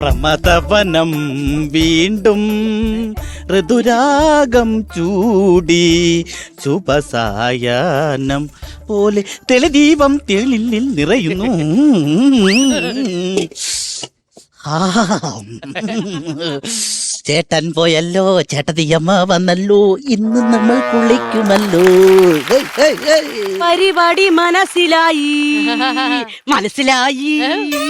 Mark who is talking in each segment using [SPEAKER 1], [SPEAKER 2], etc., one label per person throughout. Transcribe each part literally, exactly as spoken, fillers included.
[SPEAKER 1] പ്രമദവനം വീണ്ടും ഋതുരാഗം ചൂടി ശുഭസായാഹ്നം പോലെ തെളിദീപം തെളിലിൽ നിറയുന്നു. ചേട്ടൻ പോയല്ലോ, ചേട്ടത്തിയമ്മ വന്നല്ലോ, ഇന്ന് നമ്മൾ കുളിക്കുമല്ലോ.
[SPEAKER 2] പരിപാടി മനസ്സിലായി മനസ്സിലായി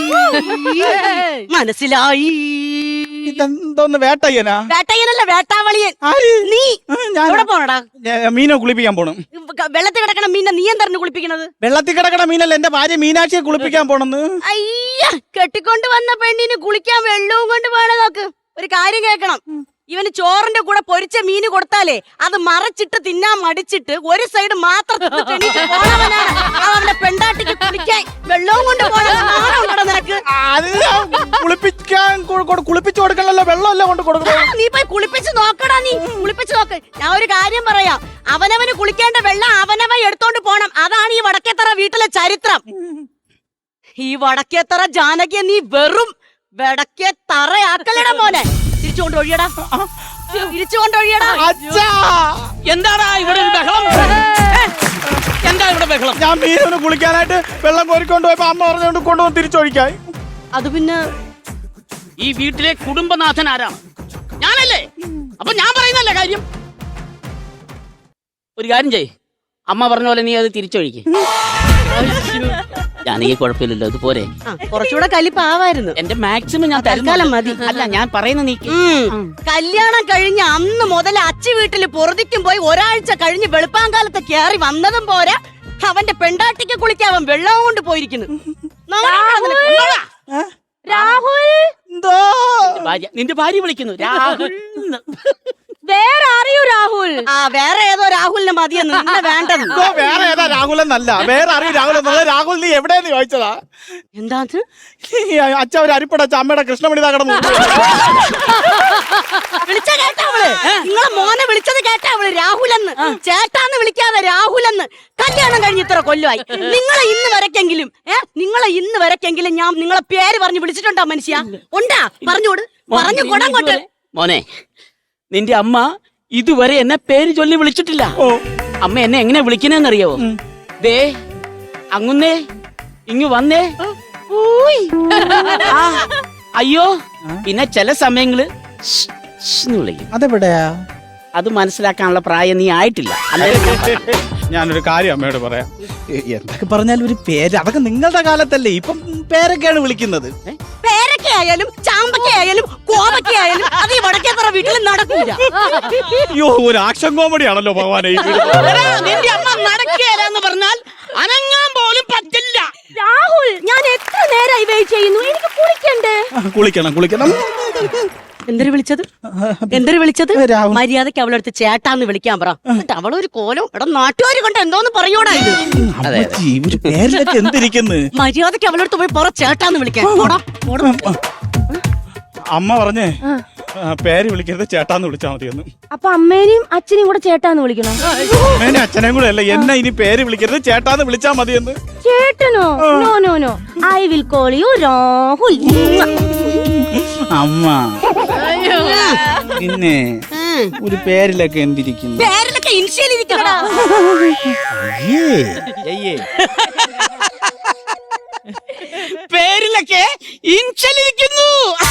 [SPEAKER 2] മനസ്സിലായി.
[SPEAKER 1] ഇതെന്തോന്ന് വേട്ടയ്യനാ?
[SPEAKER 2] വേട്ടയ്യനല്ല, വേട്ടാവളിയൻ. നീ എവിടെ പോണടാ?
[SPEAKER 1] മീനെ കുളിപ്പിക്കാൻ പോണം.
[SPEAKER 2] വെള്ളത്തിൽ കിടക്കണ മീനെ നീ എന്താ കുളിപ്പിക്കണത്?
[SPEAKER 1] വെള്ളത്തിൽ കിടക്കണ മീനല്ല, എന്റെ ഭാര്യ മീനാക്ഷിയെ കുളിപ്പിക്കാൻ പോണെന്ന്.
[SPEAKER 2] അയ്യ, കെട്ടിക്കൊണ്ട് വന്ന പെണ്ണിന് കുളിക്കാൻ വെള്ളവും കൊണ്ട് വേണം. നോക്ക്, ഒരു കാര്യം കേൾക്കണം. ഇവന് ചോറിന്റെ കൂടെ പൊരിച്ച മീന് കൊടുത്താലേ അത് മറച്ചിട്ട് തിന്നാൻ മടിച്ചിട്ട് ഒരു സൈഡ് മാത്രം പോണവനാണ്. അവന്റെ പെണ്ടാട്ടിക്ക് കുളിക്കാൻ വെള്ളവും കൊണ്ട് പോകണം. നിനക്ക്
[SPEAKER 1] കുളിപ്പിക്കാൻ കുളിപ്പിച്ചു കൊടുക്കണല്ലോ, വെള്ളമല്ല കൊണ്ട് കൊടുക്കണം.
[SPEAKER 2] നീ പോയി കുളിപ്പിച്ച് നോക്കടാ. നീ കുളിപ്പിച്ച് നോക്ക്. ഞാൻ ഒരു കാര്യം പറയാം, അവനവന് കുളിക്കേണ്ട വെള്ളം അവനവൻ എടുത്തോണ്ട് പോണം. അതാണ് ഈ വടക്കേത്തറ വീട്ടിലെ ചരിത്രം. ഈ വടക്കേത്തറ ജാനകിയെ നീ വെറും വെടക്കെ തറയാക്കലടാ മോനെ. തിരിച്ചുകൊണ്ട് ഒഴിയടാ, തിരിച്ചുകൊണ്ട് ഒഴിയടാ.
[SPEAKER 3] എന്താടാ ഇവിടെ ബഹളം? എന്താ ഇവിടെ ബഹളം?
[SPEAKER 1] ഞാൻ മീനൊന്ന് കുളിക്കാനായിട്ട് വെള്ളം കോരിക്കൊണ്ട് പോയപ്പോ അമ്മ പറഞ്ഞുകൊണ്ട് കൊണ്ടുവന്ന് തിരിച്ചൊഴിക്കായി.
[SPEAKER 2] അത് പിന്നെ
[SPEAKER 3] ഈ വീട്ടിലെ കുടുംബനാഥൻ ആരാണ്? ഞാനല്ലേ? അപ്പൊ ഞാൻ പറയുന്നല്ലേ കാര്യം. ഒരു കാര്യം ചെയ്, അമ്മ പറഞ്ഞ പോലെ നീ അത് തിരിച്ചൊഴിക്ക്. ഞാനീ കുഴപ്പമില്ലല്ലോ, ഇത് പോരെ?
[SPEAKER 2] കുറച്ചുകൂടെ കലിപ്പാവായിരുന്നു.
[SPEAKER 3] എന്റെ മാക്സിമം ഞാൻ
[SPEAKER 2] തൽക്കാലം മതി.
[SPEAKER 3] അല്ല, ഞാൻ പറയുന്ന നീ
[SPEAKER 2] കല്യാണം കഴിഞ്ഞ അന്ന് മുതൽ അച്ഛ വീട്ടിൽ പൊറുതിക്കും പോയി ഒരാഴ്ച കഴിഞ്ഞ് വെളുപ്പാങ്കാലത്ത് കയറി വന്നതും പോരാ, അവന്റെ പെണ്ടാട്ടിക്ക് കുളിക്കാൻ അവൻ വെള്ളം കൊണ്ട് പോയിരിക്കുന്നു. രാഹുൽ,
[SPEAKER 3] എന്തോ നിന്റെ ഭാര്യ വിളിക്കുന്നു രാഹുൽ.
[SPEAKER 2] വേറെ അറിയൂ രാഹുൽ? ആ, വേറെ ഏതോ രാഹുലിന് മതിയെന്ന്. വേണ്ടത്
[SPEAKER 1] വേറെ ഏതാ രാഹുലെന്നല്ല, വേറെ അറിയൂ രാഹുൽ എന്നുള്ളത്. രാഹുൽ നീ എവിടെയെന്ന് ചോദിച്ചതാ.
[SPEAKER 2] എന്താ
[SPEAKER 1] അച്ഛ ഒരു അരിപ്പടച്ച അമ്മയുടെ കൃഷ്ണമണി തകടന്നു
[SPEAKER 2] വിളിച്ച കേട്ടാവള്? നിങ്ങളെ മോനെ വിളിച്ചത് കേട്ടാവള്? രാഹുലെന്ന്, ചേട്ടാന്ന് വിളിക്കാതെ രാഹുലെന്ന്. കല്യാണം കഴിഞ്ഞ് ഇത്ര കൊല്ലമായി. നിങ്ങളെ ഇന്ന് വരക്കെങ്കിലും ഏഹ് നിങ്ങളെ ഇന്ന് വരക്കെങ്കിലും ഞാൻ നിങ്ങളെ പേര് പറഞ്ഞു വിളിച്ചിട്ടുണ്ടോ മനുഷ്യ? ഉണ്ടാ? പറഞ്ഞോട്, പറഞ്ഞു കൊടങ്ങോട്ട്.
[SPEAKER 3] മോനെ, നിന്റെ അമ്മ ഇതുവരെ എന്നെ പേര് ചൊല്ലി വിളിച്ചിട്ടില്ല. അമ്മ എന്നെ എങ്ങനെ വിളിക്കണെന്നറിയാവോ? ദേ അങ്ങുന്നേ, ഇങ്ങു വന്നേ, അയ്യോ. പിന്നെ ചില സമയങ്ങള് വിളിക്കും.
[SPEAKER 1] അതെവിടെയാ?
[SPEAKER 3] അത് മനസ്സിലാക്കാനുള്ള പ്രായം നീ ആയിട്ടില്ല.
[SPEAKER 1] ഞാനൊരു കാര്യം അമ്മയോട് പറയാം. എന്തൊക്കെ പറഞ്ഞാലും ഒരു പേര്, അതൊക്കെ നിങ്ങളുടെ കാലത്തല്ലേ. ഇപ്പം പേരൊക്കെയാണ് വിളിക്കുന്നത്.
[SPEAKER 2] പേരൊക്കെ ആയാലും ചാമ്പക്ക ആയാലും കോവക്ക ആയാലും അത് ഈ വടക്കേത്തറ വീട്ടിൽ നടക്കൂല.
[SPEAKER 1] അയ്യോ, ഒരു ആക്ഷൻ കോമഡി ആണല്ലോ ഭഗവാനെ.
[SPEAKER 3] നിന്റെ അമ്മ നടക്കുകയെന്ന് പറഞ്ഞാൽ അനങ്ങാൻ പോലും പറ്റില്ല.
[SPEAKER 2] രാഹുൽ, ഞാൻ എത്ര നേരമായി വെയിറ്റ് ചെയ്യുന്നു. എനിക്ക് കുളിക്കണ്ടേ?
[SPEAKER 1] കുളിക്കണം കുളിക്കണം.
[SPEAKER 2] എന്തൊരു വിളിച്ചത്? എന്തൊരു വിളിച്ചത്? മര്യാദക്ക് അവളെടുത്ത് ചേട്ടാന്ന് വിളിക്കാൻ പറ. അവളൊരു കോലം എടാ നാട്ടുകാർ കൊണ്ട് എന്തോന്ന് പറയൂടാ ഇത്.
[SPEAKER 1] എന്തിരിക്കുന്നു?
[SPEAKER 2] മര്യാദക്ക് അവളെടുത്ത് പോയി പറ ചേട്ടാന്ന് വിളിക്കാൻ.
[SPEAKER 1] അമ്മ പറഞ്ഞേ പേര് വിളിക്കരുത്, ചേട്ടാന്ന് വിളിച്ചാ മതിയെന്ന്.
[SPEAKER 4] അപ്പൊ അമ്മേനെയും അച്ഛനെയും കൂടെ ചേട്ടാന്ന് വിളിക്കണം?
[SPEAKER 1] അമ്മേനെ അച്ഛനെയും കൂടെ അല്ല, എന്നെ ഇനി പേര് വിളിക്കരുത്, ചേട്ടാന്ന് വിളിച്ചാ മതിയെന്ന്.
[SPEAKER 4] ചേട്ടനോ? No no no, I will call you Rahul.
[SPEAKER 1] അമ്മ പിന്നെ ഒരു പേരിലൊക്കെ എന്തിരിക്കുന്നു?
[SPEAKER 2] പേരിലൊക്കെ ഇൻഷ്യൽ ഇരിക്കണടാ.
[SPEAKER 3] പേരിലൊക്കെ ഇൻഷൽ ഇരിക്കുന്നു.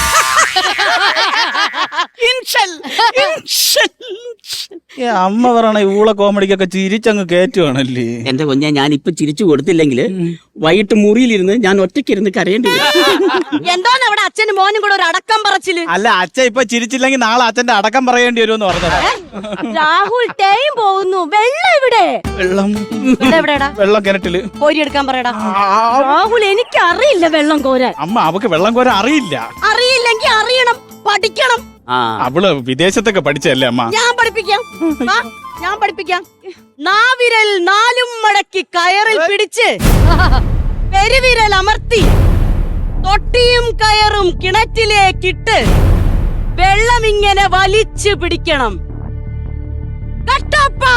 [SPEAKER 3] Initial initial.
[SPEAKER 1] അമ്മ പറയണ ഊള കോമഡിക്കൊക്കെ ചിരിച്ചങ്ങ് കേറ്റുവാണല്ലേ.
[SPEAKER 3] എന്റെ കുഞ്ഞെ, ഞാൻ ഇപ്പൊ ചിരിച്ചു കൊടുത്തില്ലെങ്കിൽ വൈകിട്ട് മുറിയിലിരുന്ന് ഞാൻ ഒറ്റയ്ക്കിരുന്ന് കരയേണ്ടി വരും.
[SPEAKER 2] എന്താണ് അവിടെ അച്ഛനും മോനും കൂടെ ഒരു അടക്കം പറച്ചില്?
[SPEAKER 1] അല്ല, അച്ഛൻ ഇപ്പൊ ചിരിച്ചില്ലെങ്കിൽ നാളെ അച്ഛന്റെ അടക്കം പറയേണ്ടി വരുമെന്ന് പറഞ്ഞത്.
[SPEAKER 4] രാഹുൽ, ടൈം പോകുന്നു. വെള്ളം ഇവിടെ.
[SPEAKER 1] വെള്ളം
[SPEAKER 2] എവിടെടാ?
[SPEAKER 1] വെള്ളം കിണറ്റില്
[SPEAKER 2] കോരി എടുക്കാൻ പറയടാ.
[SPEAKER 4] രാഹുൽ, എനിക്ക് അറിയില്ല വെള്ളം കോരാൻ.
[SPEAKER 1] അമ്മ അവക്ക് വെള്ളം കോരാൻ അറിയില്ല.
[SPEAKER 2] അറിയില്ലെങ്കിൽ അറിയണം, പഠിക്കണം.
[SPEAKER 1] അവള് വിദേശത്തൊക്കെ പഠിച്ചല്ലേ അമ്മ.
[SPEAKER 2] ഞാൻ പഠിപ്പിക്കാം, ഞാൻ പഠിപ്പിക്കാം. നാവിരൽ നാലും മടക്കി കയറിൽ പിടിച്ച് പെരുവിരൽ അമർത്തി തൊട്ടിയും കയറും കിണറ്റിലേക്കിട്ട് വെള്ളം ഇങ്ങനെ വലിച്ചു പിടിക്കണം. കട്ടപ്പ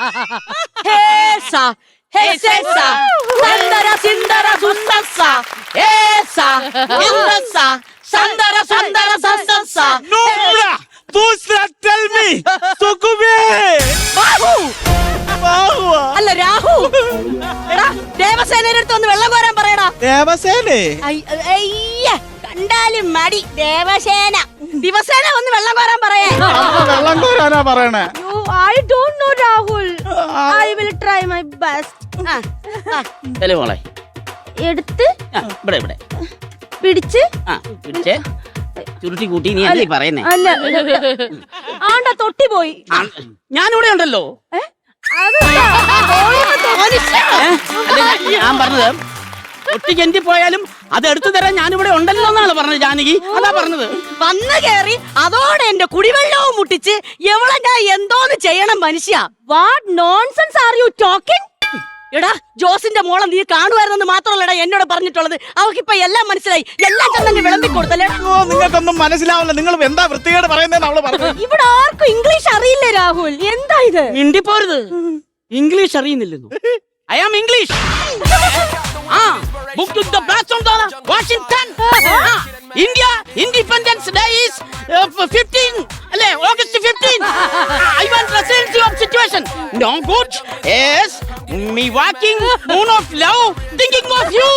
[SPEAKER 2] ഹേസ ഹേസ സിന്ദര സിന്ദര സുന്ദസ
[SPEAKER 3] ഏസാ, എന്തസാ, സന്തര സന്തര സസസാ.
[SPEAKER 1] Nobra, दूसरा tell me, സുകുബേ.
[SPEAKER 2] ബാഹു.
[SPEAKER 1] ബാഹുവാ.
[SPEAKER 2] അല്ല രാഹു. എടാ ദേവസേനയുടെ അടുത്ത് ഒന്ന് വെള്ളം കോരാൻ പറയടാ.
[SPEAKER 1] ദേവസേനേ.
[SPEAKER 2] ഐ- അയ്യ കണ്ടാലും മടി ദേവസേന. ദിവസേന ഒന്ന് വെള്ളം കോരാൻ പറയേ.
[SPEAKER 1] അമ്മ വെള്ളം കോരാനാ പറയണേ.
[SPEAKER 4] You, I don't know, Rahul. I will try my best.
[SPEAKER 2] ആ, ആ.
[SPEAKER 3] ചെലു മോളെ.
[SPEAKER 4] എടുത്ത്
[SPEAKER 3] ആ, ഇവിടെ ഇവിടെ.
[SPEAKER 4] പിടിച്ച്
[SPEAKER 3] ആ പിടിച്ചേ ചുരുട്ടി കൂട്ടി നീ അല്ലേ പറയുന്നേ.
[SPEAKER 4] അല്ല ആണ്ട തൊട്ടി പോയി.
[SPEAKER 3] ആ, ഞാനിവിടെ ഉണ്ടല്ലോ.
[SPEAKER 4] ഏ? അതല്ല,
[SPEAKER 2] മനുഷ്യ.
[SPEAKER 3] ഏ? അല്ല, ഞാൻ- ഞാൻ പറഞ്ഞത് ഒട്ടിക്ക് എന്തി പോയാലും അത് എടുത്തു തരാൻ ഞാനിവിടെ ഉണ്ടല്ലോ എന്നാണ് പറഞ്ഞത് ജാനകി. അതാ പറഞ്ഞത്.
[SPEAKER 2] വന്ന് കേറി അതോടെ എന്റെ കുടിവെള്ളവും മുട്ടിച്ച് എവളെ ഞാൻ എന്തോന്ന് ചെയ്യണം മനുഷ്യ.
[SPEAKER 4] what nonsense are you talking?
[SPEAKER 2] എടാ ജോസിന്റെ മോളെ നീ കാണുമായിരുന്നെന്ന് മാത്രമല്ലടാ എന്നോട് പറഞ്ഞിട്ടുള്ളത്. അവക്കിപ്പൊ എല്ലാം മനസ്സിലായി. എല്ലാം ചെന്നെ വിളമ്പി കൊടുത്തല്ലേ.
[SPEAKER 1] ഓ നിങ്ങൾക്കൊന്നും മനസ്സിലാവില്ല. നിങ്ങൾ എന്താ വൃത്തികേട് പറയുന്നതെന്ന് അവള് പറഞ്ഞു.
[SPEAKER 4] ഇവിടെ ആർക്കും ഇംഗ്ലീഷ് അറിയില്ല രാഹുൽ. എന്താ ഇത്?
[SPEAKER 3] മിണ്ടിപ്പോരുത്. ഇംഗ്ലീഷ് അറിയുന്നില്ലെന്നു. I am English. A book to the blast on the Washington. India independence day is fifteen അല്ലേ August fifteen. I want residency of situation. No good. Yes me walking moon of love thinking of you.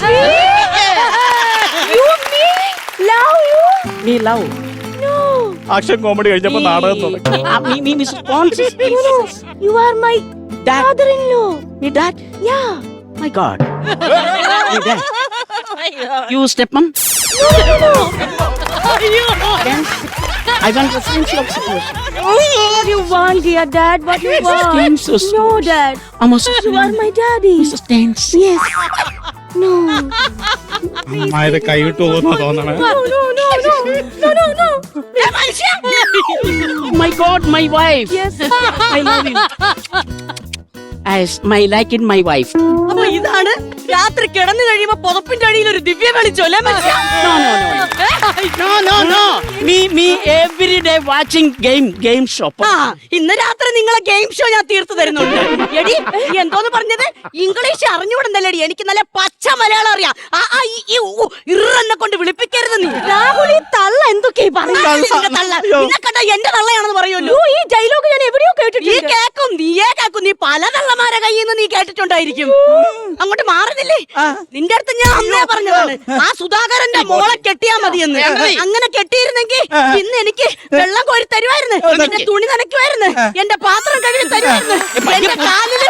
[SPEAKER 4] You me love you?
[SPEAKER 3] me love
[SPEAKER 4] No.
[SPEAKER 1] Action comedy കഴിഞ്ഞപ്പോ നാടകം തുടങ്ങി.
[SPEAKER 3] uh, me me me sponsors.
[SPEAKER 4] No, no. You are my
[SPEAKER 3] Dad.
[SPEAKER 4] father-in-law.
[SPEAKER 3] me dad.
[SPEAKER 4] Yeah.
[SPEAKER 3] My god. me dad. you stepmom.
[SPEAKER 4] No, no, no.
[SPEAKER 3] Then I want residency of situation.
[SPEAKER 4] What you want, dear dad? What you want?
[SPEAKER 3] Stains so
[SPEAKER 4] No, dad.
[SPEAKER 3] I'm a
[SPEAKER 4] You are my daddy.
[SPEAKER 3] stains.
[SPEAKER 4] Yes. No.
[SPEAKER 1] അമ്മ ഇത് കൈവിട്ടു പോകുന്ന തോന്നണേ.
[SPEAKER 4] No, no, no, no. No, no, no.
[SPEAKER 3] My god, my wife.
[SPEAKER 4] Yes.
[SPEAKER 3] I love you. As my like in my wife.
[SPEAKER 2] അപ്പൊ ഇതാണ് രാത്രി കിടന്നു കഴിയുമ്പോ പുതപ്പിന്റെ അടിയിൽ ഒരു ദിവ്യ വെളിച്ചം അല്ലേ മനുഷ്യ?
[SPEAKER 3] No, no, no. No, no, no. Me, me every day watching game, game shop.
[SPEAKER 2] ആ ഇന്ന് രാത്രി നിങ്ങളെ ഗെയിം ഷോ ഞാൻ തീർത്തു തരുന്നുണ്ട്. എടി നീ എന്തോന്ന് പറഞ്ഞത്? ഇംഗ്ലീഷ് അറിഞ്ഞുകൂടുന്നല്ലേടി. എനിക്ക് നല്ല പച്ച മലയാളം അറിയാം. ആ ആ ഈ ഈ ഊ, ഇറന്നെ കൊണ്ട് വിളിപ്പിക്കരുത് നീ.
[SPEAKER 4] രാഹുൽ ഈ തള്ള എന്തൊക്കെയാ പറയുന്നത്?
[SPEAKER 2] നിന്റെ തള്ള നിന്നെ കണ്ട എന്റെ തള്ളയാണെന്ന് പറയുമല്ലോ.
[SPEAKER 4] ഈ ഡയലോഗ് ഞാൻ എവിടെയോ
[SPEAKER 2] നീ
[SPEAKER 4] കേട്ടിട്ടുണ്ട്.
[SPEAKER 2] കേക്കും നീയേ കേക്കും. നീ പല തള്ളമാരെ കയ്യിൽ നിന്ന് നീ കേട്ടിട്ടുണ്ടായിരിക്കും. അങ്ങോട്ട് മാറുന്നില്ലേ? നിന്റെ അടുത്ത് ഞാൻ അന്നേ പറഞ്ഞതാണ് ആ സുധാകരന്റെ മോളെ കെട്ടിയാ മതിയെന്ന്. അങ്ങനെ കെട്ടിയിരുന്നെങ്കിൽ ഇന്ന് എനിക്ക് വെള്ളം കോരി തരുമായിരുന്നു, എന്റെ തുണി നനയ്ക്കുമായിരുന്നു, എന്റെ പാത്രം കഴുകി തരുമായിരുന്നു, എന്റെ കാലില്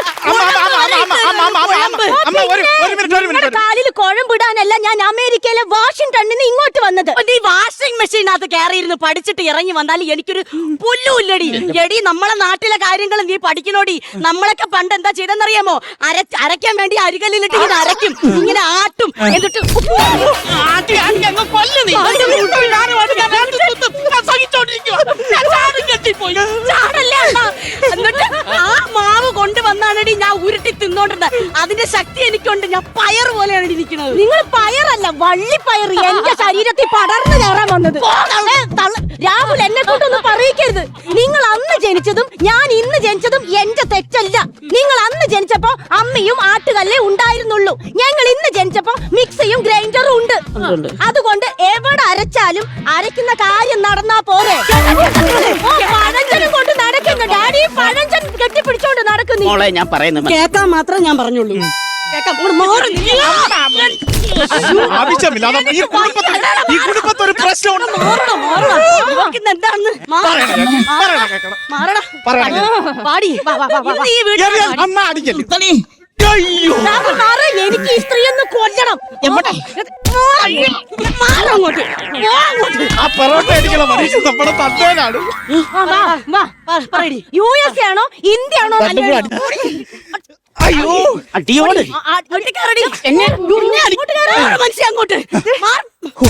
[SPEAKER 1] അമ്മ ഒരു ഒരു മിനിറ്റ് ഒരു മിനിറ്റ്.
[SPEAKER 4] കാലിൽ കുഴമ്പിടാനല്ല ഞാൻ അമേരിക്കയിലെ വാഷിംഗ്ടണിൽ നിന്ന് ഇങ്ങോട്ട് വന്നത്.
[SPEAKER 2] നീ വാഷിംഗ് മെഷീനകത്ത് കയറിയിരുന്ന് പഠിച്ചിട്ട് ഇറങ്ങി വന്നാൽ എനിക്കൊരു പുല്ലുമില്ലടി. എടി നമ്മളെ നാട്ടിലെ കാര്യങ്ങൾ നീ പഠിക്കണോടി. നമ്മളൊക്കെ പണ്ട് എന്താ ചെയ്തെന്നറിയാമോ? അര അരയ്ക്കാൻ വേണ്ടി അരികല്ലിലിട്ട് ഇങ്ങനെ അരയ്ക്കും, ഇങ്ങനെ ആട്ടും, എന്നിട്ട്
[SPEAKER 3] ആട്ടി ആട്ടി അങ്ങ് കൊല്ല് നീ. ഞാനും അത് ഞാൻ രണ്ട് കുത്തും. ഞാൻ സഹിച്ചോണ്ടിരിക്കുവാ. ഞാൻ ചാടും കെട്ടിപ്പോയി.
[SPEAKER 2] ചാടല്ലേ അണ്ണാ? എന്നിട്ട് ആ മാവ് കൊണ്ടുവന്നാണടി ഞാൻ ഉരുട്ടി തിന്നോണ്ടിരുന്നത്. അതിന്റെ ശക്തി എനിക്കുണ്ട്. ഞാൻ പയർ പോലെയാണ് ഇരിക്കുന്നത്.
[SPEAKER 4] നിങ്ങൾ പയറല്ല വള്ളിപ്പയർ എന്റെ ശരീരത്തിൽ പടർന്നു കയറാൻ വന്നത്. ഏ, തള്ള- രാഹുൽ എന്നെ കൊണ്ടൊന്നും പറയിക്കരുത്. നിങ്ങൾ അന്ന് ജനിച്ചതും ഞാൻ ഇന്ന് ജനിച്ചതും എന്റെ തെറ്റല്ല. നിങ്ങൾ അന്ന് ജനിച്ചപ്പോ അമ്മയും ആട്ടുകല്ലേ ഉണ്ടായിരുന്നുള്ളൂ. ഞങ്ങൾ ഇന്ന് ജനിച്ചപ്പോ മിക്സിയും ഗ്രൈൻഡറും ഉണ്ട്. അതുകൊണ്ട് എവിടെ അരച്ചാലും അരയ്ക്കുന്ന കാര്യം നടന്നാ പോരെ. ഓ, പഴഞ്ചനും കൊണ്ട് നടക്കുന്നു ഡാഡി. പഴഞ്ചൻ കെട്ടിപ്പിടിച്ചോണ്ട് നടക്കുന്നു.
[SPEAKER 3] മോളെ ഞാൻ പറയുന്നത്
[SPEAKER 2] കേക്കാൻ മാത്രം ഞാൻ പറഞ്ഞുള്ളൂ. കേക്കാം. ഇങ്ങോട്ട് മാറ് നീ.
[SPEAKER 1] ആവശ്യമില്ല. അത് ഈ കുടുംബത്തിൽ ഈ കുടുംബത്തിൽ ഒരു പ്രശ്നമുണ്ട്.
[SPEAKER 2] മാറണം, മാറണം. ഇവക്കിന്ന് എന്താണെന്ന് മാറ്.
[SPEAKER 1] പറയണ കേക്കണം.
[SPEAKER 2] മാറടാ.
[SPEAKER 1] പറയണ
[SPEAKER 2] പാടി. ഇന്ന് ഈ വീട്ടിൽ
[SPEAKER 1] എറിയാൻ അമ്മ അടിക്കല്ലേ. അയ്യോ
[SPEAKER 4] രാഹുൽ മാറ്. എനിക്ക് ഈ സ്ത്രീയൊന്ന് കൊല്ലണം.
[SPEAKER 2] എവിടെ? മാറങ്ങോട്ട്. പോ അങ്ങോട്ട്.
[SPEAKER 1] ആ പൊറോട്ട അടിക്കണ മനുഷ്യ നമ്മുടെ തന്തേനാണ്.
[SPEAKER 4] ആ, വാ, വാ.
[SPEAKER 2] പറ- പറയടി.
[SPEAKER 4] യു എസ് എ ആണോ ഇന്ത്യ ആണോ?
[SPEAKER 1] അയ്യോ
[SPEAKER 3] അടിയോട്
[SPEAKER 2] ആ, ആ, അങ്ങോട്ട് കേറടി. എന്നെ എന്നെ അങ്ങോട്ട് കേറ്. മാറ് മനുഷ്യ അങ്ങോട്ട്. മാറ്.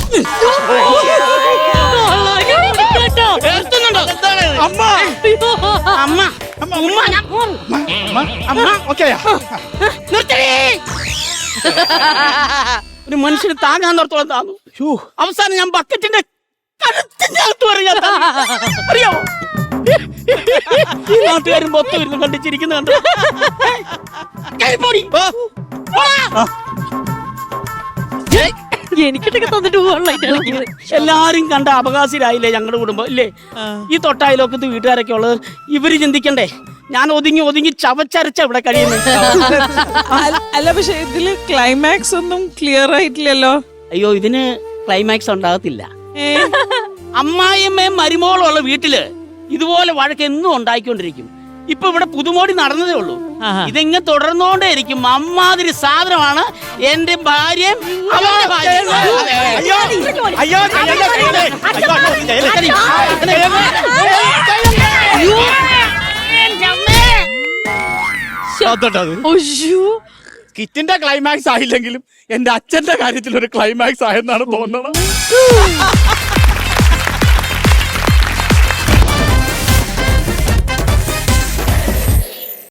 [SPEAKER 2] കേട്ടോ?
[SPEAKER 1] അമ്മ
[SPEAKER 3] അമ്മ
[SPEAKER 1] അമ്മ ഉമ്മ അമ്മ അമ്മ ഓക്കെയാ.
[SPEAKER 3] നിർത്തടി. ഒരു മനുഷ്യന് താങ്ങാൻ നിർത്തോളം താന്നു. അവസാനം ഞാൻ ബക്കറ്റിന്റെ കഴുത്തിന്റെ അകത്ത് പറയാ. അറിയാമോ? ഈ നാട്ടുകാരും മൊത്തം ഇരുന്ന് കണ്ടിച്ചിരിക്കുന്ന കണ്ടു. കൈ പൊടി. പോടാ.
[SPEAKER 2] എനിക്കിട്ടൊക്കെ തന്നിട്ട് പോകാനുള്ള
[SPEAKER 3] എല്ലാരും കണ്ട അപകാശിലായില്ലേ ഞങ്ങളുടെ കുടുംബം ഇല്ലേ? ഈ തൊട്ടായാലൊക്കത്ത് വീട്ടുകാരൊക്കെ ഉള്ളത് ഇവര് ചിന്തിക്കണ്ടേ ഞാൻ ഒതുങ്ങി ഒതുങ്ങി ചവച്ചരച്ച ഇവിടെ കഴിയുന്നത്.
[SPEAKER 5] അല്ല- അല്ല പക്ഷെ ഇതില് ക്ലൈമാക്സ് ഒന്നും ക്ലിയർ ആയിട്ടില്ലല്ലോ.
[SPEAKER 3] അയ്യോ ഇതിന് ക്ലൈമാക്സ് ഉണ്ടാകത്തില്ല.
[SPEAKER 5] ഏ?
[SPEAKER 3] അമ്മായിയമ്മയും മരുമോളും ഉള്ള വീട്ടില് ഇതുപോലെ വഴക്ക് എന്നും ഉണ്ടായിക്കൊണ്ടിരിക്കും. ഇപ്പൊ ഇവിടെ പുതുമോടി നടന്നതേ ഉള്ളൂ.
[SPEAKER 5] ആഹാ.
[SPEAKER 3] ഇതെങ്ങനെ തുടർന്നോണ്ടേ ഇരിക്കും. അമ്മാതിരി സാധനമാണ് എന്റെ ഭാര്യയും അവന്റെ ഭാര്യയും. അതെ.
[SPEAKER 1] അയ്യോ അയ്യോ ചെയ്യല്ലേ, ചെയ്യല്ലേ. അയ്യോ, അയ്യോ, ചെയ്യല്ലേ. അതോട്ടത്
[SPEAKER 5] ഒയ്യോ.
[SPEAKER 1] കിറ്റിന്റെ ക്ലൈമാക്സ് ആയില്ലെങ്കിലും എന്റെ അച്ഛന്റെ കാര്യത്തിൽ ഒരു ക്ലൈമാക്സ് ആയെന്നാണ് തോന്നണം.